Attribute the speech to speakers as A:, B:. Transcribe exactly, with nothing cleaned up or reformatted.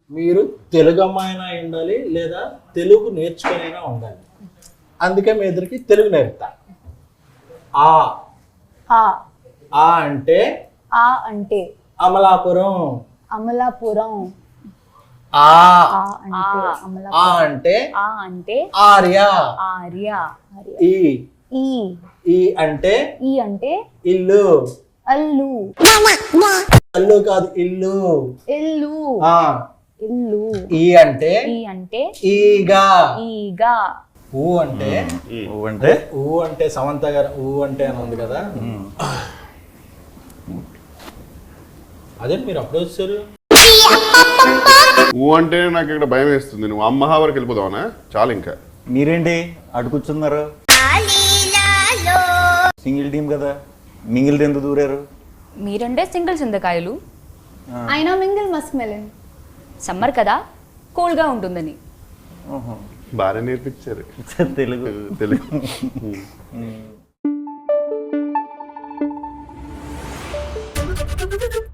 A: మీరు తెలుగు అమ్మాయినా ఉండాలి లేదా తెలుగు నేర్చుకునైనా ఉండాలి. అందుకే మీ ఇద్దరికి తెలుగు నేర్పుతా. ఆ
B: ఆ
A: ఆ అంటే
B: ఆ అంటే
A: అమలాపురం.
B: అమలాపురం.
A: ఆ
B: ఆ అంటే
A: ఆ
B: అమలాపురం.
A: అంటే
B: ఆ అంటే
A: ఆర్య.
B: ఆర్య. ఆర్య.
A: ఈ
B: ఈ
A: ఈ అంటే
B: ఈ అంటే
A: ఇల్లు.
B: అల్లు.
A: అల్లు కాదు, ఇల్లు.
B: ఇల్లు.
A: ఆ
B: ఇల్లు.
A: ఈ అంటే
B: ఈ అంటే
A: ఈగా.
B: ఈగా.
A: ఊ అంటే
C: ఊ అంటే
A: ఊ అంటే సమంత గారు ఊ అంటే అని ఉంది కదా, అదే మీరు అప్పుడు వచ్చారు.
D: ఊ అంటే నాకు ఇక్కడ భయం వేస్తుంది. నువ్వు అమ్మహా వరకు వెళ్ళిపోదావనా? చాలు ఇంకా.
C: మీరేంటి అటు కూర్చున్నారు? సింగిల్ టీం కదా, మింగిల్ ఎందుకు దూరారు?
E: మీరంటే సింగిల్ చింతకాయలు,
B: అయినా మింగిల్ మస్క్ మెలన్.
E: సమ్మర్ కదా కూల్గా ఉంటుందని.
C: ఓహో.
D: బాగా నేర్పించారు
C: తెలుగు
D: తెలుగు.